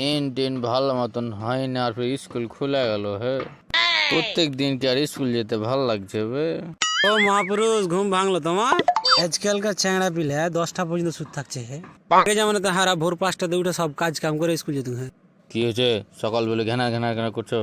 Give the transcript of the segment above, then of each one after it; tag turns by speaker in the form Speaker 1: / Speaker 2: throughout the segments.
Speaker 1: দিন দিন ভালো মতন হয় না, আর ফির স্কুল খুলে গেল। হে, প্রত্যেক দিন কি আর স্কুল যেতে ভালো লাগছে বে?
Speaker 2: ও মহাপুরুষ, ঘুম ভাঙলো তোমার? আজকালকার চ্যাংড়া পিলে 10টা পর্যন্ত সুদ থাকছে। আগে যেমন তো হারা ভোর 5টাতে উঠে সব কাজ কাম করে স্কুল যেত। হ্যাঁ,
Speaker 1: কি হয়েছে সকাল বেলা ঘেনা ঘেনা ঘেনা করছো?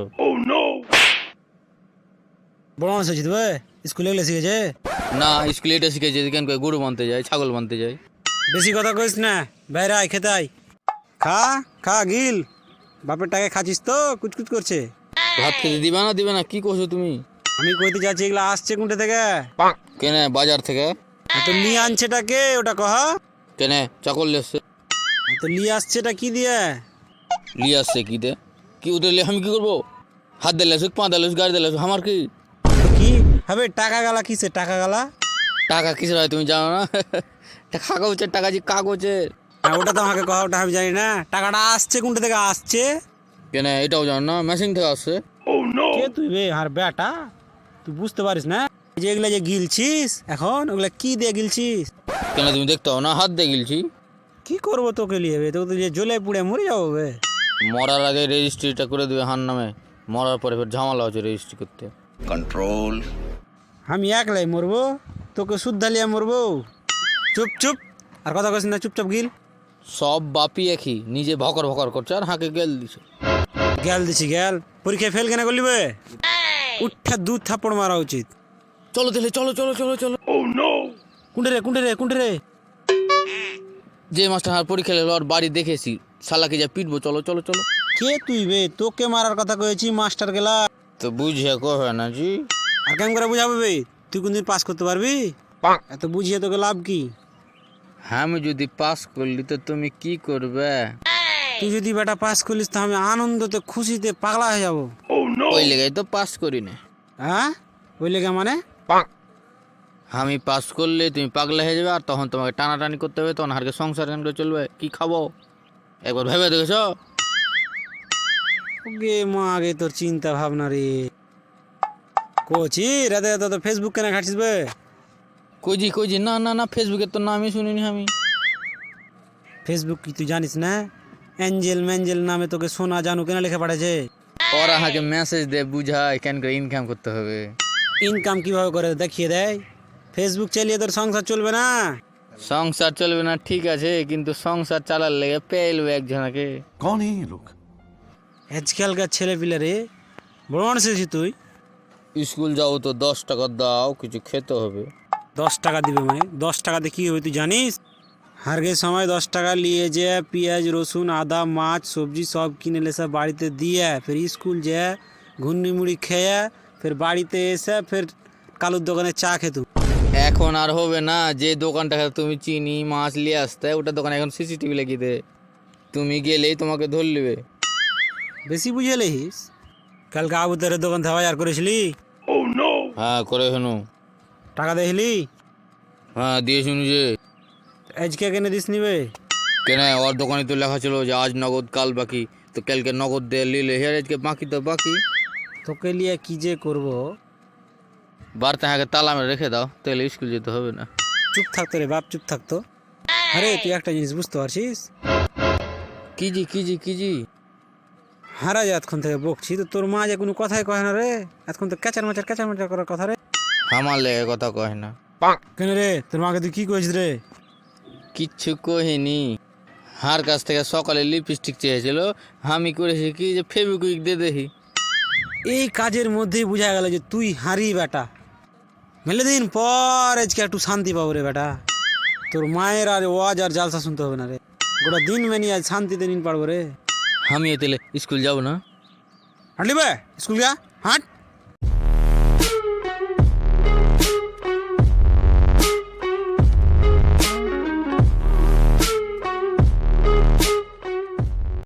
Speaker 2: বড় মানুষ হয়েছি তো, স্কুলে গেলে শিখেছে।
Speaker 1: না, স্কুলে এটা শিখেছে কেন করে গরু বানতে যায়, ছাগল বানতে যায়।
Speaker 2: বেশি কথা কইস না, বাইরে আয়, খেতে আয়। খা খা গিল, বাপের টাকা খাচ্ছিস তো, কুচকুচ করছে।
Speaker 1: ভাত খেতে দিবে না কি করছো তুমি?
Speaker 2: আমি কইতে যাচ্ছি এগুলা আসছে কোনটা থেকে?
Speaker 1: কেনে বাজার থেকে।
Speaker 2: তো নিয়ে আনছেটা কে, ওটা কহ।
Speaker 1: কেনে চাকল লেসছে।
Speaker 2: তো নিয়ে আসছেটা কি দিয়ে?
Speaker 1: লিয়ে আসছে কি দে? কি ওদের আমি কি করবো? হাত দিলে আসুক, পা দিলে আসুক, গাড়ি দিলে আসুক, আমার কি?
Speaker 2: কি হবে টাকা গালা? কিসে টাকা গালা?
Speaker 1: টাকা কিসের হয় তুমি জানো না? কাগজের টাকা, যে কাগজের।
Speaker 2: ওটা তো আমাকে কহ, ওটা আমি জানি না। টাকাটা আসছে কোনটা থেকে আসছে?
Speaker 1: কেনে এটাও জানো না? মেশিন থেকে আসছে।
Speaker 2: কে তুই বে আর বেটা? তুই বুঝতে পারিস না যে এগুলা যে গিলছিস এখন, ওগুলা কি দিয়ে গিলছিস?
Speaker 1: কেন তুমি দেখতে হবে না? হাত দিয়ে গিলছি।
Speaker 2: কি করবো তোকে লিয়ে বে? তোকে তো যে জ্বলে পুড়ে মরে যাবো বে।
Speaker 1: মরার আগে রেজিস্ট্রিটা করে দেবে হার নামে, মরার পরে ফের ঝামেলা হচ্ছে রেজিস্ট্রি করতে।
Speaker 3: कंट्रोल।
Speaker 2: আমি একলাই মরবো, তোকে শুদ্ধা লিয়ে মরবো? চুপ চুপ, আর কথা কইস না, চুপচাপ গিল।
Speaker 1: সব বাপি একই, নিজে ভকর ভকর করছে আর হাঁকে গেল দিছে।
Speaker 2: গেল দিছি গেল, পরীক্ষায় ফেল কেন করলি বে? উঠা 2 থাপ্পড় মারা উচিত।
Speaker 1: চলো তাহলে, চলো চলো চলো চলো।
Speaker 2: কুন্ডে রে কুন্ডে রে কুন্ডে রে?
Speaker 1: যে মাস্টার হার পরীক্ষা লেলো আর বাড়ি দেখেছি, শালাকে যা পিটবো। চলো চলো চলো।
Speaker 2: কে তুই বে? তোকে মারার কথা কয়েছি, মাস্টার গেলা।
Speaker 1: তো বুঝিয়ে কবে না জি?
Speaker 2: আর কেমন করে বুঝাবে বে? তুই কোনদিন পাস করতে পারবি? এত বুঝিয়ে তোকে লাভ কি?
Speaker 1: আমি যদি পাস করলি তো তুমি কি করবে?
Speaker 2: তুই যদি বেটা পাস করলিস তো আমি আনন্দতে খুশিতে পাগলা হয়ে যাবো।
Speaker 1: ওই লেগাই তো পাস করি না।
Speaker 2: হ্যাঁ, ওই লেগে মানে?
Speaker 1: আমি পাস করলে তুমি পাগলা হয়ে যাবে, আর তখন তোমাকে টানাটানি করতে হবে, তখন হারকে সংসার কেন করে চলবে? কি খাবো একবার ভেবে দেখেছো?
Speaker 2: ওগে মা, আগে তোর চিন্তা ভাবনা রে। কোচি রাতে রাতে তো ফেসবুক কেন ঘাটছিস বে?
Speaker 1: কইজি কইজি, না না না, ফেসবুকের তো নামই শুনিনি আমি।
Speaker 2: ফেসবুক কি তুই জানিস না? অ্যাঞ্জেল ম্যাঞ্জেল নামে তোকে সোনা জানু কেন লেখা পাঠাছে?
Speaker 1: ওরা হাকে মেসেজ দে বুঝায় কেন করে ইনকাম করতে হবে।
Speaker 2: ইনকাম কিভাবে করে দেখিয়ে দেয়। ফেসবুক চালিয়ে তোর সংসার চলবে না।
Speaker 1: সংসার চলবে না ঠিক আছে, কিন্তু সংসার চালার লেগে পেলবে একজনকে।
Speaker 3: कौन है ये लोग?
Speaker 2: আজকালকার ছেলে পিলে রে, বড় মানুষ হয়েছিস তুই।
Speaker 1: স্কুল যাও তো 10 টাকা দাও, কিছু খেতে হবে।
Speaker 2: 10 টাকা দিবে মানে? 10 টাকাতে কি হবে তুই জানিস? হারগের সময় 10 টাকা নিয়ে যে পেঁয়াজ রসুন আদা মাছ সবজি সব কিনে লেসে বাড়িতে দিয়ে, ফের স্কুল যে ঘুন্নি মুড়ি খেয়ে ফের বাড়িতে এসে ফের কালুর দোকানে চা খেত।
Speaker 1: এখন আর হবে না। যে দোকানটা তুমি চিনি মাছ নিয়ে আসতে, ওটা দোকানে এখন সিসিটিভি লাগিয়ে দে, তুমি গেলেই তোমাকে ধর নেবে।
Speaker 2: বেশি বুঝে লেহিস। কালকে আবুতারের দোকান থেকে বাজার করেছিলি?
Speaker 1: হ্যাঁ করে শুনু।
Speaker 2: টাকা দেখলি?
Speaker 1: হ্যাঁ দিয়ে শুনু। যে
Speaker 2: আজকে কেনে দিস নিবে?
Speaker 1: কেন, ওর দোকানে তো লেখা ছিল যে আজ নগদ কাল বাকি, তো কালকে নগদ দিয়ে নিলে হের আজকে বাকি তো বাকি।
Speaker 2: তোকে লিয়ে কি যে করবো।
Speaker 1: বাড়তে হাঁকে তালা মেরে রেখে দাও, তাহলে স্কুল যেতে হবে না।
Speaker 2: চুপ থাকতো রে বাপ, চুপ থাকতো। আরে তুই একটা জিনিস বুঝতে পারছিস?
Speaker 1: কিজি কিজি কিজি।
Speaker 2: হারা যে এতক্ষণ থেকে বকছি, তো তোর মা যে কোনো কথাই কয় না রে। এতক্ষণ তো ক্যাচার মাচার করার কথা রে।
Speaker 1: আমার লেগে কথা কয় না।
Speaker 2: কেন রে, তোর মাকে তুই কি কয়েছিস রে?
Speaker 1: কিচ্ছু কহিনি। হার কাছ থেকে সকালে লিপস্টিক চেয়েছিল, আমি করেছি কি যে ফেবিকুইক দিয়ে দেখি।
Speaker 2: এই কাজের মধ্যেই বোঝা গেল যে তুই হারি বেটা। মেলে দিন পর আজকে একটু শান্তি পাবো রে বেটা। তোর মায়ের আর ওয়াজ আর জালসা শুনতে হবে না রে। গোটা দিন মেনি আজ শান্তিতে নিন পারবো রে।
Speaker 1: আমি তাহলে স্কুল যাবো না।
Speaker 2: হাঁটলি বে, স্কুল গা হাঁট।